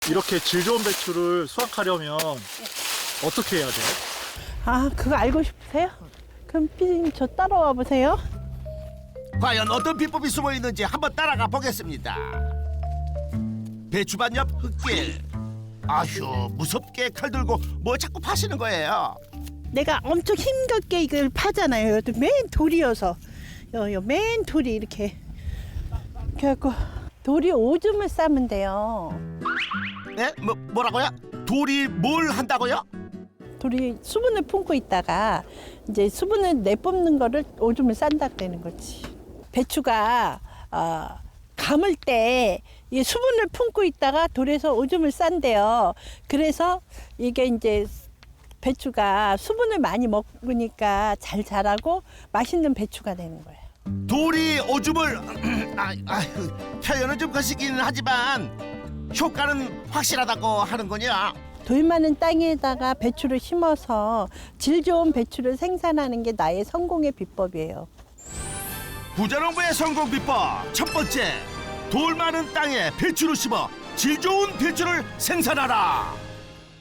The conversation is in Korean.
이렇게 질 좋은 배추를 수확하려면 어떻게 해야 돼요? 아, 그거 알고 싶으세요? 그럼 피디님 저 따라와 보세요. 과연 어떤 비법이 숨어 있는지 한번 따라가 보겠습니다. 배추밭 옆 흙길. 아휴, 무섭게 칼 들고 뭐 자꾸 파시는 거예요? 내가 엄청 힘겹게 이걸 파잖아요. 여기 맨 돌이어서 맨 돌이 이렇게 그래갖고 돌이 오줌을 싸면 돼요. 네? 뭐라고요? 돌이 뭘 한다고요? 돌이 수분을 품고 있다가 이제 수분을 내뿜는 거를 오줌을 싼다 그러는 거지. 배추가 감을 때 이 수분을 품고 있다가 돌에서 오줌을 싼대요. 그래서 이게 이제 배추가 수분을 많이 먹으니까 잘 자라고 맛있는 배추가 되는 거예요. 돌이 오줌을 표현은 좀 거시기는 하지만 효과는 확실하다고 하는군요. 돌 많은 땅에다가 배추를 심어서 질 좋은 배추를 생산하는 게 나의 성공의 비법이에요. 부자농부의 성공 비법 첫 번째, 돌 많은 땅에 배추를 심어 질 좋은 배추를 생산하라.